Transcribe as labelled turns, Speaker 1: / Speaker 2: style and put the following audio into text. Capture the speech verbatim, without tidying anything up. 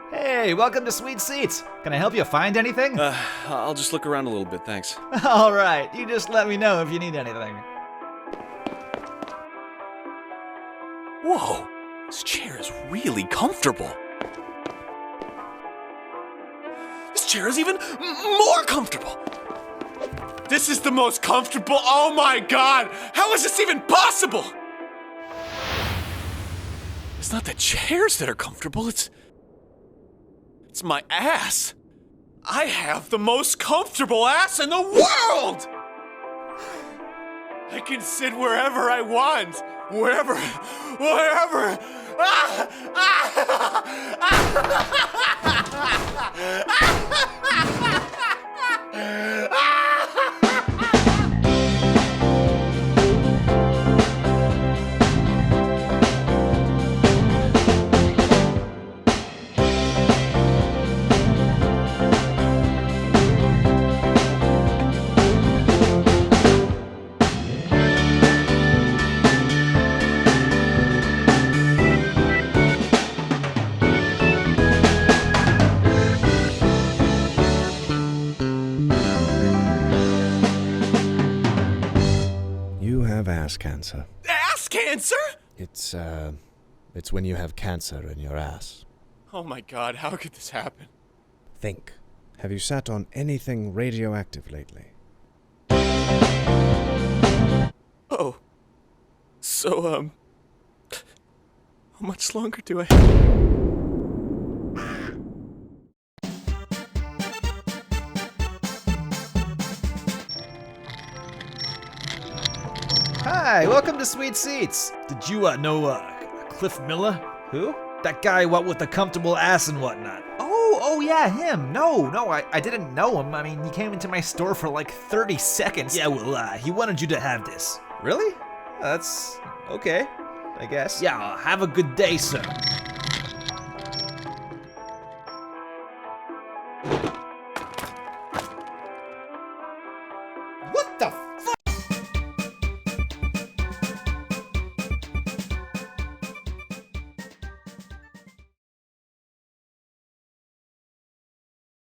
Speaker 1: Hey, welcome to Sweet Seats. Can I help you find anything?
Speaker 2: Uh, I'll just look around a little bit, thanks.
Speaker 1: All right, you just let me know if you need anything.
Speaker 2: Whoa, this chair is really comfortable. This chair is even m- more comfortable. This is the most comfortable, oh my god! How is this even possible? It's not the chairs that are comfortable, it's... It's my ass. I have the most comfortable ass in the world! I can sit wherever I want. Wherever, wherever. Ah! Ah!
Speaker 3: You have ass cancer.
Speaker 2: Ass cancer?
Speaker 3: It's, uh, it's when you have cancer in your ass.
Speaker 2: Oh my god, how could this happen?
Speaker 3: Think. Have you sat on anything radioactive lately?
Speaker 2: Oh. So, um... how much longer do I have?
Speaker 1: Hi, welcome to Sweet Seats. Did you uh, know uh, Cliff Miller? Who? That guy, what with the comfortable ass and whatnot. Oh, oh yeah, him. No, no, I, I didn't know him. I mean, he came into my store for like thirty seconds. Yeah, well, uh, he wanted you to have this. Really? That's okay, I guess. Yeah, have a good day, sir.